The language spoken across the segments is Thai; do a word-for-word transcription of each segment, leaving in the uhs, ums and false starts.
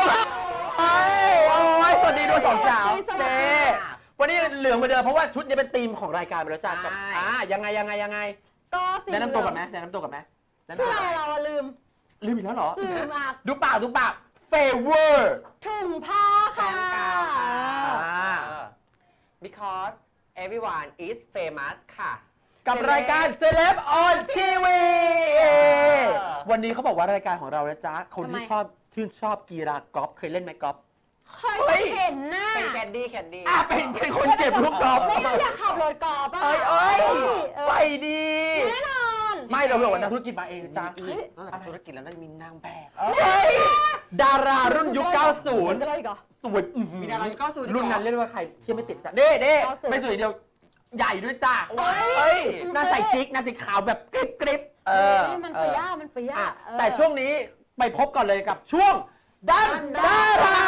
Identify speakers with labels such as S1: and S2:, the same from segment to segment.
S1: โอ้ยสวัสดีด้วยสองสาวเจ๊วันนี้เหลืองเหมือนเดิมเพราะว่าชุดนี้เป็นธีมของรายการไปแล้วจ้ากับอ่ายังไงยังไงยังไง
S2: ก็สี
S1: แนะนำตัวก่อนไหมแนะนำตัวก่อนไหม
S2: ชื่ออะไรเราลืม
S1: ลืมอีกแล้วเหรอ
S2: ลืมอ่ะ
S1: ดูปากดูปาก favor
S2: ถุงผ้าค่ะ
S3: because everyone is famous ค่ะ
S1: กับรายการ Celeb on ที วี วันนี้เขาบอกว่ารายการของเรานะจ๊ะคนที่ชอบชื่นชอบกีฬากอล์ฟเคยเล่นไหมกอล์ฟ
S2: เคยเห็นหน้า
S3: เป็นแคดดี้แคดดี้
S1: อ่ะเป็นเป็นคนเก็บลูกกอล์ฟ
S2: ไม่อยากขับรถกอล์ฟอ่ะ
S1: เอ้ยเอ้ยไปดี
S2: แน่นอน
S1: ไม่เราบอกว่านักธุรกิจมาเองจ้ะ
S3: นอกจากธุรกิจแล้วน่าจะมีนางแบบ
S1: ดารารุ่นยุคเก้าสิบสวย
S3: มีดารายุคเก้าสิบ
S1: รุ่นนั้นเรียกว่าใครเที่ยวไม่ติดจ้ะเด้เด้ไม่สวยเดียวใหญ่ด้วยจ้ะเฮ้ยหน้าใส่กิ๊กหน้าสีขาวแบบกริบกริบเออ
S2: มันไปย่ามันไปย่า
S1: แต่ช่วงนี้ไปพบก่อนเลยกับช่วงดันดารา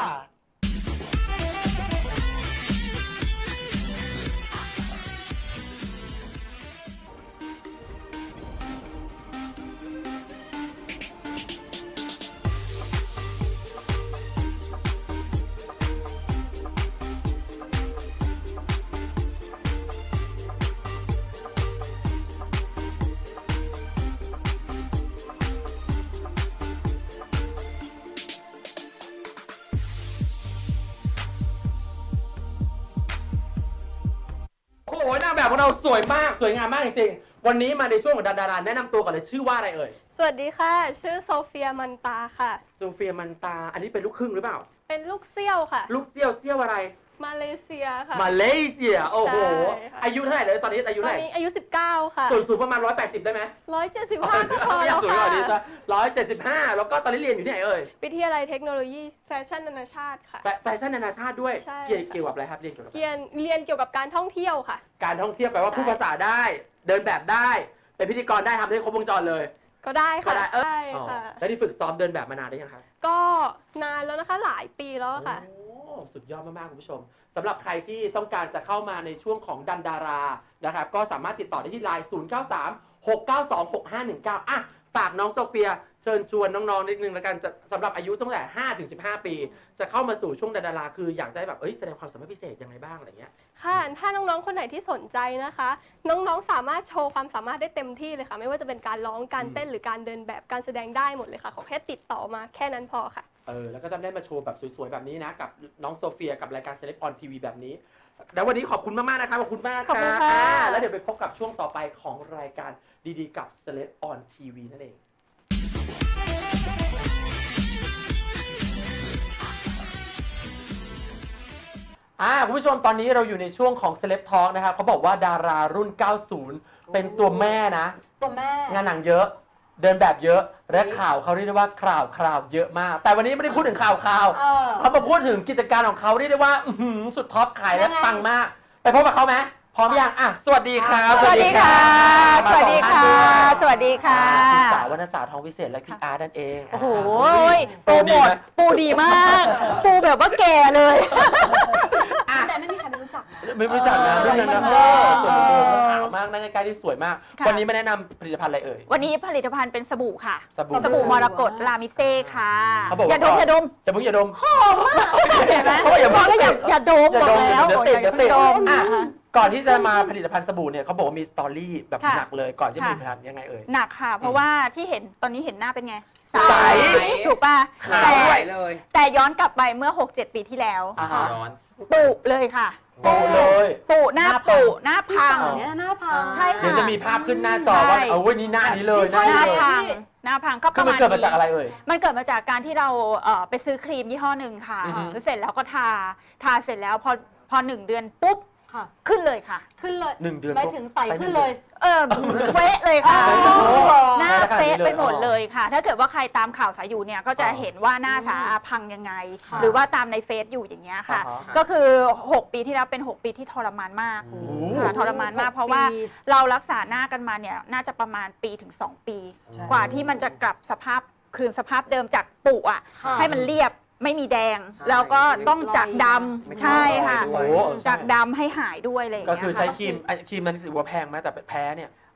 S1: โอ้โหนางแบบของเราสวยมากสวยงามมากจริงๆวันนี้มาในช่วงของดาราแนะนำตัวก่อนเลยชื่อว่าอะไรเอ่ย
S4: สวัสดีค่ะชื่อโซเฟียมันตาค่ะ
S1: โซเฟียมันตาอันนี้เป็นลูกครึ่งหรือเปล่า
S4: เป็นลูกเซี่ยวค่ะ
S1: ลูกเซี่ยวเซี่ยวอะไร
S4: มาเลเซียค่ะ
S1: มาเลเซียโอ้โหอายุเท่าไหร่เลยตอนนี้อายุเท่าไหร่
S4: ตอนนี้อายุสิบเก้าค่ะ
S1: ส่วนสูงประมาณหนึ่งร้อยแปดสิบได้ไหม
S4: หนึ่งร้อยเจ็ดสิบห้าก็พอแล้วค่ะ
S1: หนึ่งร้อยเจ็ดสิบห้าแล้วก็ตอนนี้เรียนอยู่ที่ไหนเอ่ย
S4: วิทยาลัยเทคโนโลยีแฟชั่นนานาชาติค่ะ
S1: แฟชั่นนานาชาติด้วยเกี่ยวกับอะไรครับเรียนเกี่ยวกับ
S4: เรียนเรียนเกี่ยวกับการท่องเที่ยวค่ะ
S1: การท่องเที่ยวแปลว่าพูดภาษาได้เดินแบบได้เป็นพิธีกรได้ทำได้ครบวงจรเลย
S4: ก็ได้ค่ะ
S1: ใช่ค่ะแล้วที่ฝึกซ้อมเดินแบบมานานได้ยังคะ
S4: ก็นานแล้วนะคะหลายปีแล้วค่ะ
S1: โอ้สุดยอดมากๆคุณผู้ชมสำหรับใครที่ต้องการจะเข้ามาในช่วงของดันดารานะครับก็สามารถติดต่อได้ที่ไลน์ศูนย์ เก้า สาม หก เก้า สอง หก ห้า หนึ่ง เก้าอ่ะฝากน้องโซเฟียเชิญชวนน้องๆนิดนึงแล้วกันสำหรับอายุตั้งแต่ห้าถึงสิบห้าปีจะเข้ามาสู่ช่วงดันดาราคืออยากได้แบบเอ้ยแสดงความสามารถพิเศษยังไงบ้างอะไรเงี้ย
S4: ค่ะถ้าน้องๆคนไหนที่สนใจนะคะน้องๆสามารถโชว์ความสามารถได้เต็มที่เลยค่ะไม่ว่าจะเป็นการร้องการเต้นหรือการเดินแบบการแสดงได้หมดเลยค่ะขอแค่ติดต่อมาแค่นั้นพอค่ะ
S1: เออแล้วก็จะได้มาโชว์แบบสวยๆแบบนี้นะกับน้องโซเฟียกับรายการ Celeb on ที วี แบบนี้แล้ววันนี้ขอบคุณมากๆนะครับขอบคุณมากค่ะแล้วเดี๋ยวไปพบกับช่วงต่อไปของรายการดีๆกับ Celeb on ที วี นั่นเองอ่าคุณผู้ชมตอนนี้เราอยู่ในช่วงของ Celeb Talk นะครับเขาบอกว่าดารารุ่นเก้าสิบเป็นตัวแม่นะ
S2: ตัวแม่
S1: งานหนังเยอะเดินแบบเยอะและข่าวเขาเรียกได้ว่าข่าวข่าวเยอะมากแต่วันนี้ไม่ได้พูดถึงข่าวข่าวเขามาพูดถึงกิจการของเขาเรียกได้ว่าสุดท็อปขายและปังมากไปพบกับเขาไหมพร้อมยังอ่ะสวัสดีครับ
S2: สวัสดีค่ะสวัสดีค่ะสวัสดีค่ะ
S1: คุณสาววรรณสาทองวิเศษและพี่อาร์ตนั่นเอง
S2: โอ้โหปูหมดปูดีมากปูแบบว่าแก่เลยแต่ไม่มีใครไม่รู้จัก
S1: ไม่รู้จักนะเรื่องนั้นนะส่วนตัวขาวมากนั่งใกล้ๆที่สวยมากวันนี้มาแนะนำผลิตภัณฑ์อะไรเอ่ย
S2: วันนี้ผลิตภัณฑ์เป็นสบู่ค่ะ
S1: ส
S2: บู่มรกตลามิเซ่ค่ะอย่าดมอย่าดม
S1: อย่ามึงอย่าดม
S2: หอมมากเห็นไหมบอกแล้วอย่าอย่าดมบอกแล้ว
S1: เดี๋ยวติดเดี๋ยวติดก่อนที่จะมาผลิตภัณฑ์สบู่เนี่ยเขาบอกว่ามีสตอรี่แบบหนักเลยก่อนที่จะผลิตภัณฑ์ยังไงเอ่ย
S2: หนักค่ะเพราะว่าที่เห็นตอนนี้เห็นหน้าเป็นไงใสถูกป่ะ
S3: แต่
S2: แต่ย้อนกลับไปเมื่อ หกเจ็ด ปีที่แล้วปุเลยค่ะ
S1: ปุเลย
S2: ปุหน้าปุหน้าพัง
S4: หน้าพัง
S2: ใช่ค่ะ
S1: เดี๋ยวจะมีภาพขึ้นหน้าจอว่าเอาวันนี้หน้านี้เลย
S2: หน้าพังหน้าพังก็ประมาณนี้
S1: มันเกิดมาจากอะไรเอ่ย
S2: มันเกิดมาจากการที่เราไปซื้อครีมยี่ห้อหนึ่งค่ะเสร็จแล้วก็ทาทาเสร็จแล้วพอพอหนึ่งเดือนปุ๊บขึ้นเลยค่ะ
S4: ขึ้นเลย
S1: หนึ่งเดือน
S4: ไม่ถึงใส่ขึ้นเลย
S2: เออเฟะเลยค่ะหน้าเฟะไปหมดเลยค่ะถ้าเกิดว่าใครตามข่าวสายอยู่เนี่ยก็จะเห็นว่าหน้าสาพังยังไงหรือว่าตามในเฟซอยู่อย่างเงี้ยค่ะก็คือหกปีที่แล้วเป็นหกปีที่ทรมานมากค่ะทรมานมากเพราะว่าเรารักษาหน้ากันมาเนี่ยน่าจะประมาณปีถึงสองปีกว่าที่มันจะกลับสภาพคืนสภาพเดิมจากปุอ่ะให้มันเรียบไม่มีแดงแล้วก็ต้องจากดำใช่ค่ะจากดำให้หายด้วยเลย
S1: ก็คือใช้ครีมครีมมันถือว่าแพงไหมแต่แพ้เนี่ย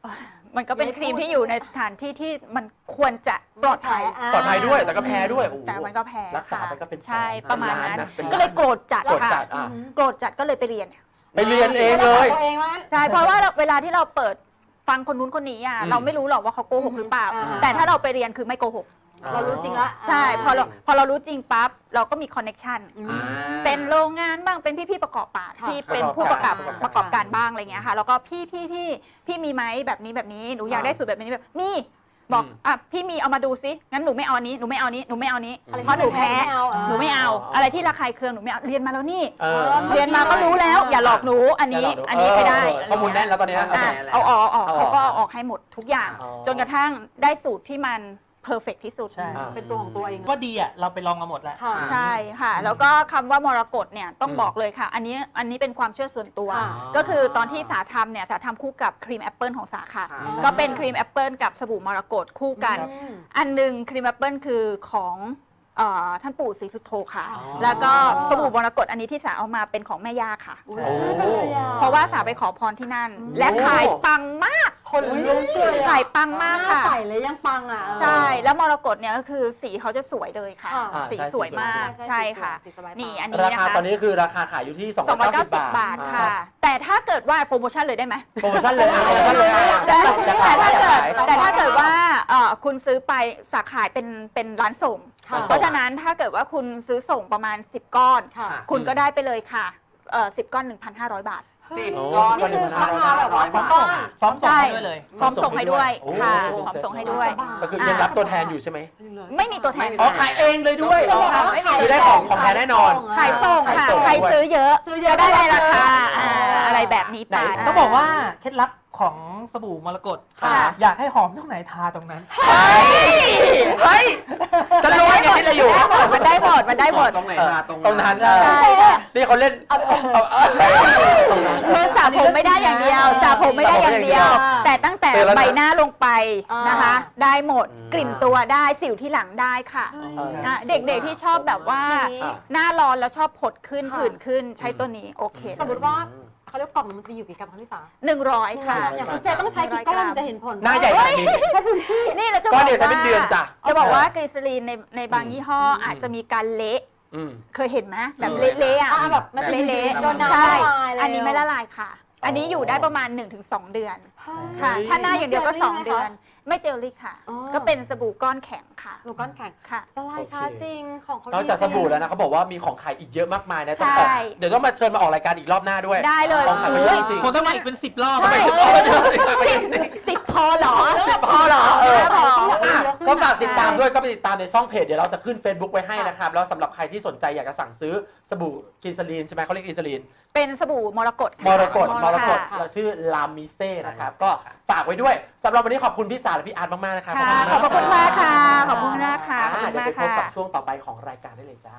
S2: มันก็เป็นครีมที่อยู่ในสถานที่ที่มันควรจะปลอดภัย
S1: ปลอดภัยด้วยแต่ก็แพ้ด้วยโอ้โห
S2: แต่มันก็แพ้
S1: รักษา
S2: ค่ะ
S1: ไปก็เป็น
S2: ใช่
S1: แสน
S2: ประมาณ
S1: ล้าน
S2: นั้น
S1: นะเป็น
S2: ก็เลยโกรธจัด
S1: โกรธ
S2: ค่ะ
S1: จัดอ่ะ
S2: โกรธจัดก็เลยไปเรียน
S1: ไปเรียนเองเลย
S5: ตัวเองว่างั้น
S2: ใช่เพราะว่าเราเวลาที่เราเปิดฟังคนนู้นคนนี้อ่ะ
S1: อืม
S2: เราไม่รู้หรอกว่าเขาโกหกหรือเปล่า
S5: อ่า
S2: แต่ถ้าเราไปเรียนคือไม่โกหก
S5: เรารู้จริงละ
S2: ใช่พอเราพอเรารู้จริงปั๊บเราก็มีคอนเน็ชัน
S5: อืม
S1: อ่า
S2: เป็นโรงงานบ้างเป็นพี่ๆประกอบการ
S5: ค่ะ
S2: ที่เป็นผู้ประกอบ
S1: ประกอบการ
S2: ประกอบการบ้างอะไรเงี้ยค่ะแล้วก็พี่พี่พี่พี่มีไหมแบบนี้แบบนี้หนูอยากได้สูตรแบบนี้แบบมีบอก
S1: อืม
S2: อ่ะพี่มีเอามาดูซิงั้นหนูไม่เอาอันนี้หนูไม่เอาอันนี้หนูไม่เอาอันนี้
S1: อะไร
S2: เพราะหนูแพ้
S5: ไม่เอาอ่ะ
S2: หนูไม่เอา
S1: อ๋ออ
S2: อะไรที่ระคายเคืองหนูไม่เอาเรียนมาแล้วนี่
S1: เออ
S2: เรียนมาก็รู้แล้ว อย่าหลอกหนูอันนี้
S1: ย่าหลกดู
S2: อันนี้ไม่ได้
S1: เออข้อมูลแน่นแล้วตอนเนี้ย
S2: อ่ะ
S3: แล้ว
S2: เอาออกเอาออก
S1: เอาออก
S2: เขาก็เอาออกให้หมดทุกอย่าง
S1: อ๋อ
S2: จนกระทั่งได้สูตรที่มันเพอร์เฟกที่สุด
S6: ใช่
S1: อ่า
S5: เป็นตัวของตัวเอง
S6: ก็ดีอ่ะ เราไปลองมาหมดแล้ว
S5: ค่ะ
S2: ใช่ค่ะ แล้วก็คำว่ามรกตเนี่ยต้อง
S1: อืม
S2: บอกเลยค่ะ อันนี้อันนี้เป็นความเชื่อส่วนตัว
S5: ค่ะ
S2: ก็คือตอนที่สาทำเนี่ยสาทำคู่กับครีมแอปเปิลของสาค่ะ
S3: ค่ะ
S2: ก็เป็นครีมแอปเปิลกับสบู่มรกตคู่กัน
S5: อืม
S2: อันหนึ่งครีมแอปเปิลคือของเอ่อท่านปู่ศรีสุโธค่ะ
S5: อ๋อ
S2: แล้วก็สบู่มรกตอันนี้ที่สาเอามาเป็นของแม่ย่าค่ะ
S5: อุ๊ย
S1: โอ้
S5: น่ารักเลยอ่
S2: เพราะว่าสาไปขอพรที่นั่น
S5: อืม
S2: และขายปังมาก
S5: คนลุกเลยอ่ะ
S2: ขายปังมาก
S5: หน้
S2: ค่ะ
S5: ใสเลยยังปังอ่ะ
S2: ใช่ แล้วมรกตเนี่ยก็คือสีเขาจะสวยเลยค่ะ
S5: ค่ะ
S1: อ่า
S2: สี
S1: ใช่
S2: สวยมาก
S5: ใช่
S2: ใช่ค่ะ
S5: สีสบายตา
S2: นี่อันนี้
S1: รา
S2: นะ
S1: คา
S2: คะ
S1: ตอนนี้คือราคาขายอยู่ที่สอง
S2: สองร้อยเก้าสิบบา
S1: บา
S2: ท
S1: ท
S2: ค่ะ แต่ถ้าเกิดว่าโปรโมชั่นเลยได้ไหม
S1: โปรโมชั่นเลยอ่ะโปรโมชั่นเลยอ่ะ
S2: แต่
S1: จะ
S2: แต่
S1: ขาย
S2: ถ้า
S1: จะ
S2: เกิด
S1: ขาย
S2: แต่ถ้าเกิดว่าเอ่อคุณซื้อไปสาขายเป็นเป็นร้านส่ง
S5: ค่ะ
S2: เพราะฉะนั้นถ้าเกิดว่าคุณซื้อส่งประมาณสิบก้อน
S5: ค่ะ
S2: คุณก็ได้ไปเลยค่ะเอ่อสิบก้อน หนึ่งพันห้าร้อย บาท
S3: สิบ
S1: โอ้
S3: ก้อน
S5: นี่คือ
S3: หนึ่งพันห้าร้อย
S5: ราคาแบบว่า
S3: บาท
S5: ก้อน
S6: พร้อมส่ง
S2: ใช่
S6: ให้ด้วยเลย
S2: พร้อมส่งให้ด้วย
S1: โอ้
S2: ค่ะ
S1: โ
S2: พร้อมส่งให้ด้วย
S1: ก็คือยังรับตัวแทนอยู่ใช่ไหม
S2: ไม่มีตัวแทน
S1: อ๋อขายเองเลยด้วย
S5: จะบอกว่า
S2: ไม่มี
S1: คือได้ของของแท้แน่นอน
S2: ขายส่งค่ะ
S1: ขายส่ง
S2: ใครซื้อเยอะ
S5: ซื้อเยอะ
S2: จะได้
S5: ได้
S2: ราคา
S5: อ่า
S2: อ่าอะไรแบบนี้ไป
S1: ไหน
S6: ต้องบอกว่าเคล็ดลับของสบู่มรกต
S1: ค่ะ
S6: อยากให้หอมตรงไหนทาตรงนั้น
S1: เฮ้ยเฮ้ยจะรู้ว่าไงคิดอะไรอยู่
S2: มันได้หมดมันได้หมด
S3: ตรงไหนมาตรง
S1: ตรงนั้น
S3: เออ
S2: ใช่ค่ะ
S1: นี่เขาเล่นเอาเอาเอา
S2: คือสระผมไม่ได้อย่างเดียวสระผมไม่ได้อย่างเดียว แต่ตั้งแต่
S1: เตือนแล้วนะ
S2: ใบหน้าลงไปนะคะ ได้หมด
S1: อืม
S2: กลิ่นตัวได้สิวที่หลังได้ค่ะ
S1: เออ
S2: อ่ะเด็กๆที่ชอบแบบว่า
S5: อย่างนี้
S2: หน้าร้อนแล้วชอบผดขึ้น
S5: ค่ะ
S2: ผื่นขึ้นใช้ตัวนี้โอเค
S5: สมมติว่าเขาเรียกกล่องหนึงมันจะมีอยู่กี่กรัมคะพี่สา
S2: หนึ่งร้อยค่ะ
S5: อย่างคุณเฟย์ต้องใช้กี่ก้อนถึงจะเห็นผล
S1: หน้าใหญ่ขนาดนี้
S2: นี่เราจะบ
S1: ก้
S2: อ
S1: อน
S2: ก
S1: เดียวใช้เป็น
S2: ว่า
S1: เดือนจ้ะ
S2: จะบอกว่ากลีเซอรีนในในบางยี่ห้ออ
S1: ม
S2: อาจจะมีการเละ
S1: อืม
S2: เคยเห็นไหมแบบ
S1: เออ
S2: เละๆอ่ะ
S5: อ่าแบบมันจะ
S2: เละ
S5: โดน
S2: ๆ
S5: น้ำ
S2: ใช่
S5: ละลายแล้ว
S2: อันนี้ไม่ละลายค่ะ อันนี้อยู่ได้ประมาณ หนึ่งถึงสอง เดือน
S5: เฮ้ย
S2: ค่ะ
S1: เฮ้ย
S2: ถ้าหน้าอย่างเดียวก็
S5: เจลลี่
S2: สอง
S5: ไหมคะ
S2: เดือน ไม่เจลลี่ค่ะ
S5: อ๋อ
S2: ก็เป็นสบู่ก้อนแข็งค่ะ
S5: สบู่ก้อนแข็ง
S2: ค่ะ
S5: ละลายช้าจริงของเขา
S1: นอกจากสบู่แล้วนะเขาบอกว่ามีของขายอีกเยอะมากมายนะต้อง
S2: ใช่
S1: ออกเดี๋ยวต้องมาเชิญมาออกรายการอีกรอบหน้าด้วย
S2: ได้เลย
S1: ของขายมันเยอะจริง
S6: คงต้องมาอีกเป็นสิบรอบ
S2: ใช่ สิบสิบพอเหรอ
S1: สิบพอเหรอเออ
S2: พอ
S1: อ่ะก็ฝากติดตามด้วยก็ไปติดตามในช่องเพจเดี๋ยวเราจะขึ้น Facebook ไว้ให้นะครับ แล้วสำหรับใครที่สนใจอยากจะสั่งซื้อสบู่กลินซาลีนใช่ไหมเขาเรียกกลินซาลีน
S2: เป็นสบู่มรกตค่ะ
S1: มรกตมรกต
S2: ค่ะ
S1: เราชื่อลามิเซ่นะครับก็ฝากไว้ด้วยสำหรับวันนี้ขอบคุณพี่สาและพี่อาร์ตมากๆนะครับ
S2: ค่ะขอบพระคุณมากค่ะ ขอบคุณมากค่ะ ขอบ
S1: อ่า
S2: คุณ
S1: เดี๋ยว
S2: มาก
S1: ไปพบ
S2: ค่ะ
S1: กับช่วงต่อไปของรายการได้เลยจ้า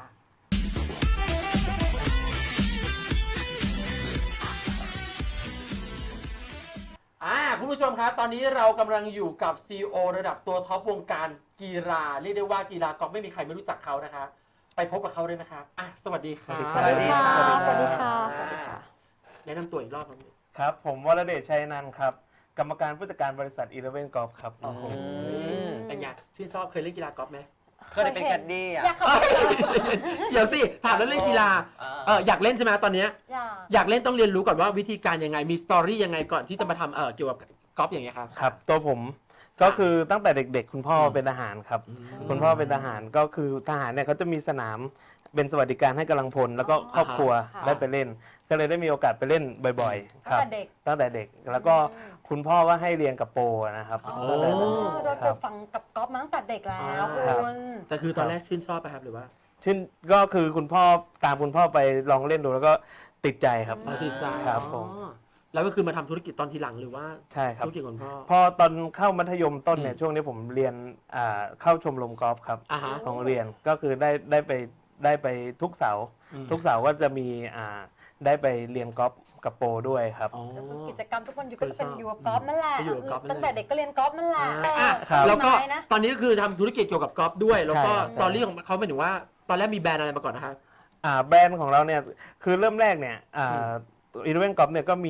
S1: อ่าคุณผู้ชมครับตอนนี้เรากำลังอยู่กับ ซี อี โอ ระดับตัวท็อปวงการกีฬาเรียกได้ว่ากีฬากอล์ฟไม่มีใครไม่รู้จักเขานะครับไปพบกับเขาเลยนะครับอ่ะสวัสดีครับ
S3: สวัสดีค่ะ
S5: สวัสดีค่ะ
S1: สวัสดีค่ะแนะนำตัวอีกรอบนึง
S7: ครับผมวรเดชชัยนันท์ครับ กรรมการผู้จัดการบริษัทอีเลเว่นกอล์ฟครับ
S1: โอ้โห
S3: ม
S1: เป็นไงชื่นชอบเคยเล่นกีฬากอล์ฟไหม
S3: เคยได้เป็นแคดดี้อ่ะ
S5: อยากขับ
S1: เดี๋ยวสิถามแล้วเล่นกีฬาเอออยากเล่นใช่ไหมตอนเนี้ย
S5: อยาก
S1: อยากเล่นต้องเรียนรู้ก่อนว่าวิธีการยังไงมีสตอรี่ยังไงก่อนที่จะมาทำเออเกี่ยวกับกอล์ฟอย่างเงี้ยครับ
S7: ครับตัวผมก็คือตั้งแต่เด็กๆ คุณพ่อเป็นทหารครับ คุณพ่อเป็นทหารก็คือทหารเนี่ยเขาจะมีสนามเป็นสวัสดิการให้กำลังพลแล้วก็ครอบครัว
S5: ค่ะ
S7: ได้ไปเล่น ก็เลยได้มีโอกาสไปเล่นบ่อยๆ ค
S5: ตั้ง
S7: รับ
S5: แต่เด็ก
S7: ตั้งแต่เด็กแล้วก็คุณพ่อว่าให้เรียนกับโปรนะครับ
S5: อ๋อ
S7: ตั้งแต่นั้น
S5: โดน
S7: ค
S5: ปลู
S7: รับ
S5: กฝังกับก๊อฟมาตั้งแต่เด็กแล้ว
S7: ครับ
S5: คุณ
S1: แต่คือตอนแรกชื่นชอบไปครับหรือว่า
S7: ชื่นก็คือคุณพ่อตามคุณพ่อไปลองเล่นดูแล้วก็ติดใจครับ
S1: อ๋อติดใจ
S7: ครับผม
S1: อ๋อแล้วก็คือมาทำธุรกิจตอนทีหลังหรือว่า
S7: ใช่ครับ
S1: ธุรกิจของพ่อ
S7: พอตอนเข้ามัธยมต้นเนี่
S1: อื
S7: ย
S1: ม
S7: ช่วงนี้ผมเรียนอ่าเข้าชมรมกอล์ฟครับ
S1: อ่าฮะ
S7: ของเรียนก็คือได้ได้ไปได้ไปทุกเสาร์
S1: อืม
S7: ทุกเสาร์ก็จะมีอ่าได้ไปเรียนกอล์ฟกับโปรด้วยครับ
S1: อ๋อ
S5: ก็คือกิจกรรมทุกวันอยู่ก็จะเป็น
S1: เคยชอบ
S5: อยู่กับกอล์ฟนั่นแหละ
S1: ก็อยู่กับกอล์ฟนั่นแหละ
S5: ตั้งแต่เด็กก็เรียนกอล์ฟนั่นแหละ
S1: อ่ะ
S7: ครับ
S1: แล้วก็
S5: ต้นไม้นะ
S1: ตอนนี้ก็คือทำธุรกิจเกี่ยวกับกอล์ฟด้วย แล้วก็
S7: ใช่ครับ
S1: สตอรี่ของเขาหมายถึงว่าตอนแรกมีแบรนด์อะไรมาก่อนนะครับ
S7: อ่าแบรนด์ของเราเนี่ยคือเริ่มแรกเนี่ยอ่าอีเลเว่นกอล์ฟเนี่ยก็มี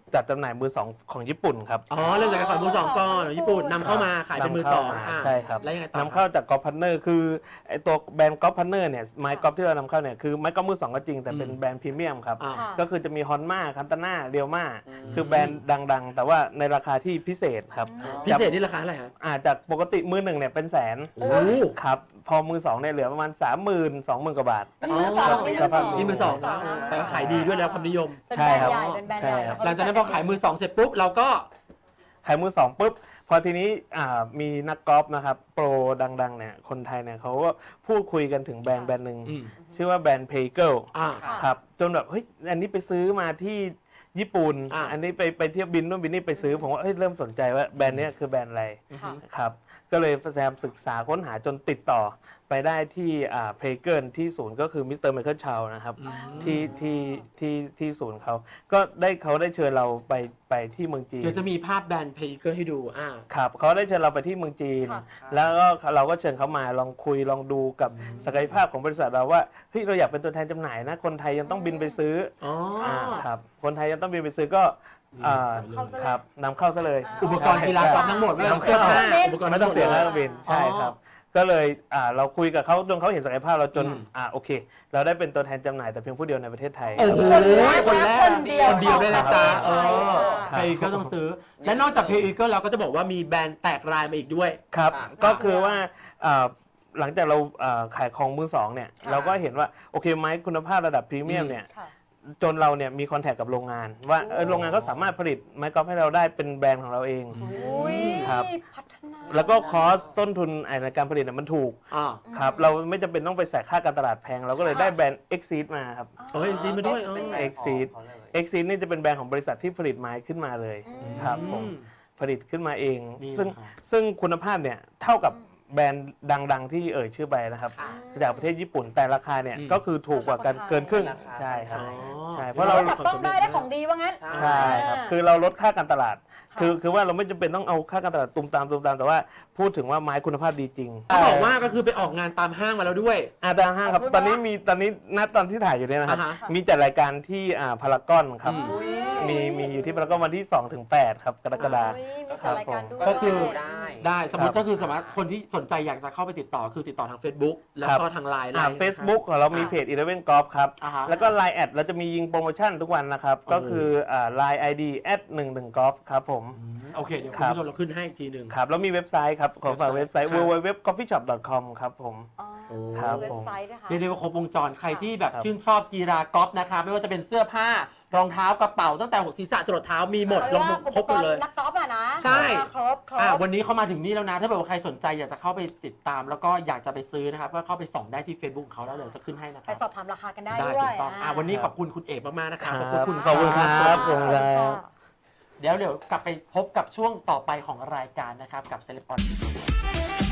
S7: จัดจำหน่ายมือสองของญี่ปุ่นครับ
S1: อ๋อเรื่องจากการขายมือสองก่อนญี่ปุ่นนำเข้ามาขายเป็นมือสอง
S7: นำเข้ามา
S1: อ่ะ
S7: ใช่ครับ
S1: แล้วยังไงต่อน
S7: ำเข้าจากกอล์ฟพันเนอร์คือไอตัวแบรนด์กอล์ฟพันเนอร์เนี่ยไม้กอล์ฟที่เรานำเข้าเนี่ยคือไม้กอล์ฟมือสองก็จริงแต่เป็นแบรนด์พรีเมียมครับ
S1: อ่า
S5: ค่ะ
S7: ก็คือจะมีฮอนมาคันตาน่าเรียวมา
S3: อืม
S7: คือแบรนด์ดังๆ แต่ว่าในราคาที่พิเศษครับ
S1: พิเศษนี่ราคาเท่าไหร่ฮะ
S7: อาจากปกติมือหนึ่งเนี่ยเป็นแสน
S1: โอ้โห
S7: ครับพอมือสองเนี่ยเหลือประมาณสามหมื่นสองหมื่นกว่าบาท
S5: เป็นมือสอง
S7: อ๋อ
S5: เป็น
S7: สภาพ
S1: นี่มือสอง
S5: นะ
S1: นะแต่ก็ขายดีด้วยแล้วความนิยม
S5: เป็น
S7: ใช่
S5: แบรน
S7: ครับ
S5: ด์ใหญ่เป็นแบรนด์
S7: ใช่
S5: ใหญ่
S7: ครับ
S1: หลังจากนั้นพอขายมือสองเสร็จปุ๊บเราก็
S7: ขายมือสองปุ๊บพอทีนี้อ่ามีนักกอล์ฟนะครับโปรดังๆเนี่ยคนไทยเนี่ยเขาก็พูดคุยกันถึงแบรนด์แบรนด์หนึ่ง
S1: อืม
S7: ชื่อว่าแบรนด์เพเกิล
S1: อ่า
S5: ค่ะ
S7: ครับจนแบบเฮ้ยอันนี้ไปซื้อมาที่ญี่ปุ่น
S1: อ่า
S7: อันนี้ไปไปเที่ยวบินนู่นบินนี่ไปซื้อผมว่าเฮ้ยเริ่มสนใจว่าแบรนด์เนี้ยคือแบรนด์อะไร
S5: ค่ะ
S7: ครับก็เลยพยายามศึกษาค้นหาจนติดต่อไปได้ที่อ่าเพเกิลที่ศูนย์ก็คือมิสเตอร์ไมเคิลชาวนะครับ
S1: อืม
S7: ที่ที่ที่ที่ศูนย์เขาก็ได้เขาได้เชิญเราไปไปที่เมืองจีน
S1: เดี๋ยวจะมีภาพแบรนด์เพย์เกอร์ให้ดูอ่า
S7: ครับเขาได้เชิญเราไปที่เมืองจีน
S5: ค่ะ
S7: แล้วก็เราก็เชิญเขามาลองคุยลองดูกับศักยภาพของบริษัทเราว่าเฮ้ยเราอยากเป็นตัวแทนจำหน่ายนะคนไทยยังต้องบินไปซื้อ
S1: อ๋อ
S7: อ่าครับคนไทยยังต้องบินไปซื้อก็อ่า
S5: เข้าซะเลย
S7: ครับนำเข้าซะเลย
S1: อุปกรณ์กีฬากอล์ฟทั้งหมดไม่ต้องเสื้อผ้าอุปกรณ์
S7: ไม่ต้องเสียค่าเครื่องบินใช่ครับ ก็เลยอ่าเราคุยกับเขาจนเขาเห็นศักยภาพเราจน
S1: อืม
S7: อ่าโอเค เราได้เป็นตัวแทนจำหน่ายแต่เพียงผู้เดียวในประเทศไทย
S1: โอ้โห
S5: คนแรก
S1: คน
S5: คนเดียว
S1: คนเดียวด้วยนะจ๊ะเออ
S7: ครับ
S1: เพย์เกอร์ต้องซื้อ และนอกจากเพย์เกอร์เราก็จะบอกว่ามีแบรนด์แตกรายมาอีกด้วย
S7: ครับ
S3: ค่ะ
S7: ก็คือว่าอ่าหลังจากเราอ่าขายของมือสองเนี่ย
S5: ค่ะ
S7: เราก็เห็นว่าโอเคไม้คุณภาพระดับพรีเมียมเนี่ย
S5: ค่ะ
S7: จนเราเนี่ยมีคอนแทคกับโรงงาน ว่าเออโรงงานก็สามารถผลิตไม้กอล์ฟให้เราได้เป็นแบรนด์ของเราเอง
S5: อุ้ย
S7: ครับ
S5: พัฒนา
S7: แล้วก็คอสต้นทุนในการผลิตเนี่ยมันถูก
S1: อ่า
S7: ครับเราไม่จำเป็นต้องไปแสกค่าการตลาดแพง เราก็เลยได้แบรนด์ Exceed มาครับ
S1: โอ้ยซีมาด้วย
S3: เป็น
S1: เออ
S3: แบรนด์ของ
S7: Exceed
S3: เขาเลย
S7: Exceed นี่จะเป็นแบรนด์ของบริษัทที่ผลิตไม้ขึ้นมาเลย
S5: อืม
S7: ครับผม
S1: อืม
S7: ผลิตขึ้นมาเอง
S1: นี่
S7: ซึ่ง
S1: นะครับ
S7: ซึ่งคุณภาพเนี่ยเท่ากับแบรนด์ดัง ๆ ที่เอ่ยชื่อไปนะครับ
S1: ค่ะ
S7: จากประเทศญี่ปุ่นแต่ราคาเนี่ย
S1: อืม
S7: ก็คือถูกกว่ากันเกินครึ่ง
S3: ราคา
S7: ใช่ครับ
S1: อ๋อ
S7: ใช่เพ
S5: เพ
S7: ราะ
S5: ราะ
S7: เรา
S5: เราจับต้องได้ได้ของดีว่างั้น
S7: ใช่ครับคือเราลดค่าการตลาด คือคือว่าเราไม่จำเป็นต้องเอาค่าการตลาดตุมตามตุมตามแต่ว่าพูดถึงว่าไม้คุณภาพดีจริง
S1: เขาบอกว่าก็คือไปออกงานตามห้างมาแล้วด้วย
S7: อาตาห้างครับตอนนี้มีตอนนี้ณตอนที่ถ่ายอยู่เนี่ยนะครับ
S1: อ่าฮะ
S7: มีจัดรายการที่อ่าพารากอนครับ
S1: อืม
S5: อุ๊ย
S7: มีมีอยู่ที่พารากอนวันที่สองถึงแปดครับกรกฎาคม
S5: อุ๊ยมีจัดรายการด้วย
S1: ก็คือ
S3: ได้
S1: ได้สมมติ
S7: ครับ
S1: ก็คือสามารถคนที่สนใจอยากจะเข้าไปติดต่อคือติดต่อทาง Facebook แล้วก็ทางไลน์
S7: อ่า Facebook ของเรามีเพจ Eleven Golf ครับ
S1: อ่าฮะ
S7: แล้วก็ ไลน์ แอดเราจะมียิงโปรโมชั่นทุกวันนะครับ
S1: โอ้
S7: ก็คืออ่า ไลน์ ไอ ดี แอดหนึ่งหนึ่ง golf ครับผม
S1: อืมโอเคเดี๋ยว
S7: ค
S1: คุ
S7: รั
S1: ณ
S7: บ
S1: ผู้ชมเราขึ้นให้อีกทีหนึ่ง
S7: ครับ แล้วมีเว็บไซต์ครับ ขอฝากเว็บไซต์
S1: ครับ
S7: ดับเบิลยู ดับเบิลยู ดับเบิลยู ดอท คอฟฟี่ช็อป ดอท คอม ครับผม
S5: อ๋อ
S7: ครับ
S5: เว็
S7: ผ
S5: บ
S7: ม
S5: ไซต์นะคะ
S1: เรียกได้ว่าครบวงจรใครที่แบบ
S7: ครับ
S1: ชื่นชอบกีฬากอล์ฟนะคะไม่ว่าจะเป็นเสื้อผ้ารองเท้ากระเป๋าตั้งแต่หัวศีรษะจรดเท้ามีหมดลงครบหมดเลย
S5: นักกอล์ฟอะนะ
S1: ใช่
S5: ครบคร
S1: อ่ะ
S5: บ
S1: วันนี้เขามาถึงนี่แล้วนะ ถ้าเกิดว่าใครสนใจอยากจะเข้าไปติดตาม แล้วก็อยากจะไปซื้อนะครับก็เข้าไปส่องได้ที่ Facebook ของเขาแล้วเดี๋ยวจะขึ้นให้นะค
S5: ไป
S1: รับ
S5: สอบถามราคากันได้
S1: ได้
S5: ด้ว
S1: ถู
S5: ย
S1: กต้องอ่ะวันนี้ขอบคุณคุณเอกมากๆนะครับ
S7: ครับ
S1: ขอบคุณ
S7: ขอบคุณครับ
S1: ขอบคุณ
S7: ขอบคุณครับ
S1: เดี๋ยวเดี๋ยวกลับไปพบกับช่วงต่อไปของรายการนะครับกับเซเลบอล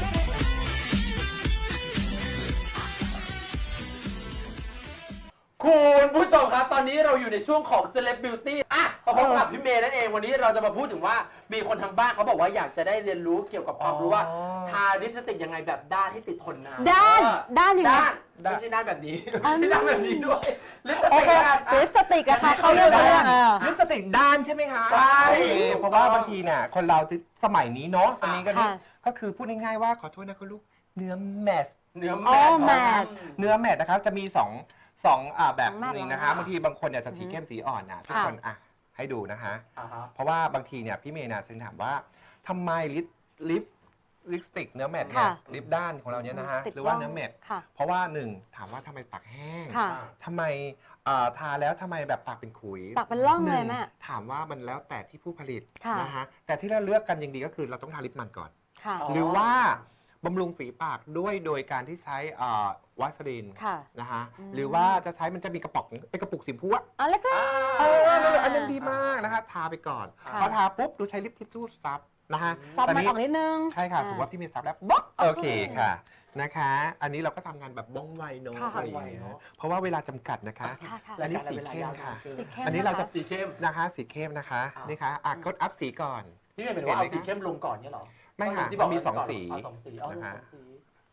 S1: คุณผู้ชมครับ ตอนนี้เราอยู่ในช่วงของ Celeb Beauty อ่ะมาพบกับพี่เมย์นั่นเองวันนี้เราจะมาพูดถึงว่ามีคนทางบ้านเขาบอกว่าอยากจะได้เรียนรู้เกี่ยวกับความรู้ว่า
S3: อ๋อ
S1: ทาลิปสติกยังไงแบบด้านให้ติดทนนาน
S2: ด้าน
S1: เออ
S2: ด้านยังไง
S1: ด้านไม่ใช่ด้านแบบนี้ไม่ใช่ด้านแบบนี้ด้วยลิปส
S2: โอ
S1: ติก
S2: เค
S1: ด้าน
S2: ลิปสติกอะค่ะเขาเรียกว่าเออ
S3: ลิปสติกด้านใช่ไหมคะ
S1: ใช่
S3: โอเคเพราะว่าบางทีเนี่ยคนเราสมัยนี้เนาะอันนี้ก็นี่
S2: ค่ะ
S3: ก็คือพูดง่ายๆว่าขอโทษนะคุณลูกเนื้อแมส
S1: เนื้อ
S2: อ๋
S1: แม
S2: อ
S1: ท
S2: แมท
S3: เนื้อแมทนะครับจะมีสองสองอ่าแบบ
S5: สองแบบ
S3: หนึ่ง
S5: เหรอ
S3: นะคะบางทีบางคนเนี่ยจะสีเข้มสีอ่อนนะทุก
S2: ค่ะ
S3: คนอ่ะให้ดูนะคะ
S1: อ่าฮะ
S3: เพราะว่าบางทีเนี่ยพี่เมย์นะถึงถามว่าทำไมลิปลิปลิปสติกเนื้อแมทเนี่ย
S2: ค่ะ
S3: ลิปด้านของเราเนี่ยนะฮะ
S2: ติด
S3: หรือว่า
S2: ร่อง
S3: เนื้อแมท
S2: ค่ะ
S3: เพราะว่าหนึ่งถามว่าทำไมปากแห้ง
S2: ค่ะ
S3: ทำไมอ่าทาแล้วทำไมแบบปากเป็นขุย
S2: ปากเป็นร่องเลย
S3: หนึ่
S2: แม่
S3: ถามว่ามันแล้วแต่ที่ผู้ผลิต
S2: ค่ะ
S3: นะฮะแต่ที่เราเลือกกันอย่างดีก็คือเราต้องทาลิปมันก่อน
S2: ค่ะ
S1: อ๋อ
S3: หรือว่าบำรุงฝีปากด้วยโดยการที่ใช้อ่าวาสลีน
S2: ค่ะ
S3: นะฮะ
S2: อืม
S3: หรือว่าจะใช้มันจะมีกระป๋องไอ้กระปุกสีพูอะ
S2: อ๋อแล้วก็
S3: เออนั่นเลยอันนั้นดีมากนะฮะทาไปก่อน
S2: ค่ะ
S3: พอทาปุ๊บดูใช้ลิปทิชชู่ซับนะฮะ
S2: ซับ
S3: ตอน
S2: มัน
S3: นี้
S2: ออกนิดนึง
S3: ใช่ค่ะถือว่าพี่เมย์ซับแล้วบ๊อกโอเคค่ะนะคะ อันนี้เราก็ทำงานแบบว่องไวเนอะ
S2: ค่ะ
S3: อะไรอย่างเงี้ยเพราะว่าเวลาจำกัดนะคะ
S2: ค่ะค่ะ
S3: อันนี้สีเข้มค่ะ
S2: สีเข้ม
S3: อันนี้เราจะ
S1: สีเข้ม
S3: นะคะสีเข้มนะคะ
S1: อ่านี่
S3: นี่ค่ะอ่ะกดอัพสีก่อน
S1: พี่เมย์เป็นว่าเอาสีเข้มลงก่อนเนี่ยเหรอ
S3: ไม่ค่ะ
S1: ที่บอก
S3: มันมีสอง
S1: ก่น
S3: สี
S1: เอาสองสีเอา
S3: นะคะ
S1: สองสี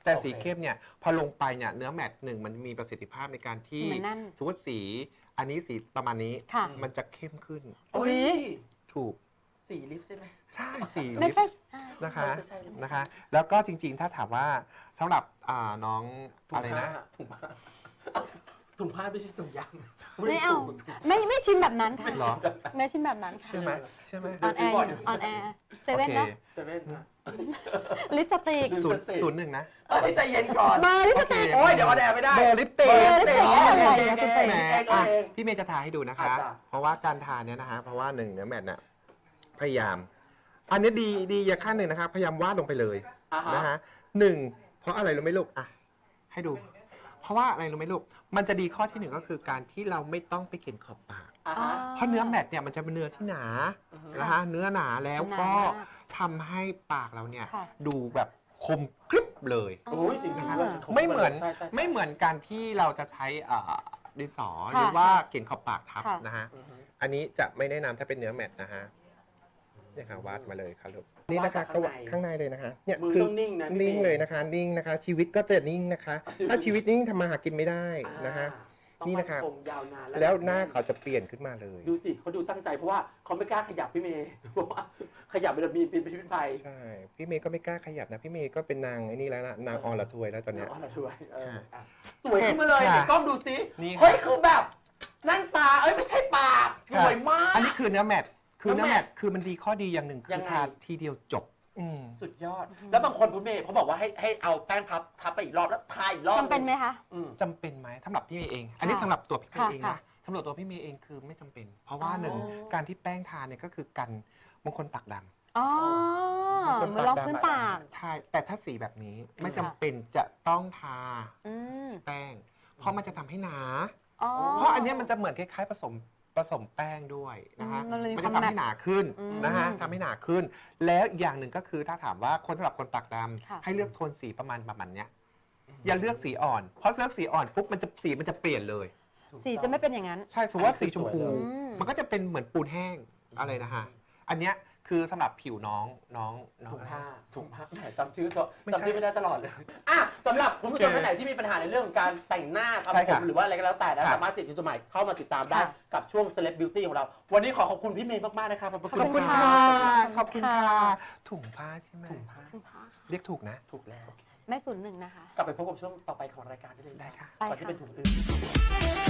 S3: แต่
S1: โอเค
S3: สีเข้มเนี่ยพอลงไปเนี่ยเนื้อแมตต์หนึ่งมันมีประสิทธิภาพในการที่
S5: สีมันแน่น
S3: สมมติสีอันนี้สีประมาณนี้
S5: ค่ะ
S3: มันจะเข้มขึ้น
S1: โอ้ย
S3: ถูก
S1: สีลิปใช่ไหม
S3: ใช่สี
S5: ไม่
S3: ลิป
S5: ใช่อ่า
S3: นะคะ
S1: ไม่ใช่ไม่ใช่
S3: นะคะ แล้วก็จริงๆถ้าถามว่าสำหรับอ่าน้อง
S1: ถุง
S3: อะไร
S1: ผ้า
S3: นะ
S1: ถุงผ้าเอ้าถุงผ้าไม่ใช่ถุงยาง
S5: ไม่เอา ไม่ไม่ชินแบบนั้นค่ะ
S3: เหรอ
S5: ไม่ชินแบบนั้นค่ะ
S3: ใช่ไหมใช่ไหม
S5: ออนแอร์อยู่ออนแอร์เซเว่นนะ
S1: เซเว่นนะ
S5: ลิปสติก
S3: ศูนย์ศูนย์หนึ่งนะ
S1: เอ้ยใจเย็นก่อน
S5: เบอร์ลิปสติก
S1: โอ้ยเดี๋ยวออนแอร์ไม่ได้
S3: เบอร์ลิปติก
S1: เบอร์ลิปติก
S5: เบอร์ลิปติก
S1: เอง
S5: อะไรนะ
S1: เอง
S3: แหม
S1: เอง
S3: อ่ะ
S1: เอง
S3: พี่เมย์จะทาให้ดูนะคะ
S1: อ่ะจ้ะ
S3: เพราะว่าการทาเนี่ยนะคะ เพราะว่าหนึ่งเนื้อแมตต์น่ะพยายาม อันนี้ดีดีอย่างขั้นหนึ่งนะคะพยายามวาดลงไปเลย
S1: อ่าฮะ
S3: นะคะหนึ่งเพราะอะไรรู้ไหมลูกอ่ะให้ดู เพราะว่าอะไรรู้ไหมลูกมันจะดีข้อที่หนึ่งก็คือการที่เราไม่ต้องไปเขียนขอบปาก
S1: อ่าฮะ
S3: เพราะเนื้อแมตต์เนี่ยมันจะเป็นเนื้อที่หนา
S1: อือฮึ
S3: นะคะเนื้อหนาแล้วก็
S5: หนามาก
S3: ทำให้ปากเราเนี่ย
S5: ค่ะ
S3: ดูแบบคมกริบเลย
S1: โอ้ยจริงๆด้วย
S3: ไม่เหมือน
S1: ใช่ใช่ใช่
S3: ไม่เหมือนการที่เราจะใช้เอ่อดินสอ
S5: ค่ะ
S3: หรือว่าเขียนขอบปากทับ
S5: ค่ะ
S3: นะฮะ
S1: อือฮึ
S3: อันนี้จะไม่แนะนำถ้าเป็นเนื้อแมตต์นะฮะเนี่ยค่ะวาดมาเลยครับลูกนี่นะคะ
S1: วาดจาก
S3: ก็
S1: ข้างใน
S3: ข้างในเลยนะคะเนี่ย
S1: มือ
S3: คือ
S1: ต้องนิ่งนะพี่
S3: นิ่ง
S1: ม
S3: เลยนะคะ นิ่งนะคะ ชีวิตก็จะนิ่งนะคะ ถ้าชีวิตนิ่งทำมาหากินไม่ได้นะฮะ
S1: ต้อง
S3: นี่นะครับ
S1: มั่คงยาวนาน
S3: แล้วหน้าเขาจะเปลี่ยนขึ้นมาเลย
S1: ดูสิเขาดูตั้งใจเพราะว่าเขาไม่กล้าขยับพี่เมย์ เพราะว่าขยับมันจะมีเป็นพิษเป็นภัย
S3: ใช่พี่เมย์ก็ไม่กล้าขยับนะพี่เมย์ก็เป็นนางไอ้นี่แล้วนะนางอรทวยแล้วตอนเนี้ย
S1: อ๋อเราช่วยเอออ่ะสวยขึ้นมาเลย
S3: ค่ะ
S1: เดี๋ยวกล้องดูสิ
S3: นี่ค่ะ
S1: เฮ้ยคือแบบนั่นตาเอ้ยไม่ใช่ปากสวยมาก
S3: อันนี้คือเนื้อแมตต์คือเนื้อ
S1: เนื้อ
S3: แม
S1: แม
S3: ต
S1: ตต์
S3: ต์คือมันดีข้อดีอย่างหนึ่งคื
S1: ยั
S3: อง
S1: ไง
S3: ทาทีเดียวจบอืม
S1: สุดยอด แล้วบางคนพี่เมย์เขาบอกว่าให้ให้เอาแป้งพับทับไปอีกรอบแล้วทาอีกรอบ
S5: จำเป็นไหมคะ
S1: อืม
S3: จำเป็นไหมสำหรับพี่เมย์เอง อันนี้
S5: ค่ะ
S3: สำหรับตัวพี่เมย์
S5: ค่ะ
S3: เอง
S5: ค่ะ
S3: นะสำหรับตัวพี่เมย์เองคือไม่จำเป็น เพราะว่า
S5: อ๋อ
S3: หนึ่งการที่แป้งทาเนี่ยก็คือกันบางคนปากดำ
S5: อ๋อ
S3: บางคน
S5: เหมือนรองพื้นปาก
S3: ใช่แต่ถ้าสีแบบนี้ไม่จำเป็นจะต้องทา
S5: อืม
S3: แป้ง เพราะมันจะทำให้หนา
S5: อ๋อ
S3: เพราะอันเนี้ยมันจะเหมือนคล้ายๆผสมผสมแป้งด้วยนะคะ
S5: อืมมันเลยมี
S3: มัน
S5: ค
S3: จะ
S5: วาม
S3: ทำให้หนาขึ้น
S5: อืม
S3: นะคะทำให้หนาขึ้น แล้วอีกอย่างหนึ่งก็คือถ้าถามว่าคนสำหรับคนปากด
S5: ค่ะ
S3: ำให้เลือกโทนสีประมาณประมาณเนี้ยอย่าเลือกสีอ่อน เพราะเลือกสีอ่อนปุ๊บมันจะสีมันจะเปลี่ยนเลย
S5: สีจะไม่เป็นอย่างนั้น
S3: ใช่สมมติว่าสีชมพู
S1: อันนี้คือสวยเลย
S5: อืม
S3: มันก็จะเป็นเหมือนปูนแห้งอะไรนะฮะอันเนี้ยคือสำหรับผิวน้องน้องน้อง
S1: ถุงผ้าถุงผ้าแหมจำชื่อตัว
S3: ไม่ใช่
S1: จำชื่อไม่ได้ตลอดเลยอ่ะสำหรับคุณผู้ชมท่านไหนที่มีปัญหาในเรื่องของการแต่งหน้า
S3: ใช่
S1: ทำผ
S3: ค่ะ
S1: มหรือว่าอะไรก็แล้วแต่นะ
S3: ค่ะ
S1: สามารถติดอยู่สมัยเข้ามาติดตามได้
S5: ค่ะ
S1: กับช่วง Celeb Beauty ของเรา วันนี้ขอขอบคุณพี่เมย์มากๆนะครับขอบพระ
S3: ขอบคุณ
S1: มาก
S3: ค่ะ
S1: รับ
S3: ขอบคุณค่ะถุงผ้าใช่ไหม
S1: ถุงผ้า
S5: คุณช้า
S3: เรียกถูกนะ
S1: ถูกแล้ว
S5: แม่ศูนย์หนึ่งนะคะ
S1: กลับไปพบกับช่วงต่อไปของรายการได้เลย
S3: ได้ค่ะ
S1: ก่อน
S5: ไป
S1: ที่
S5: ค่ะ
S1: เป็นถุงอื่น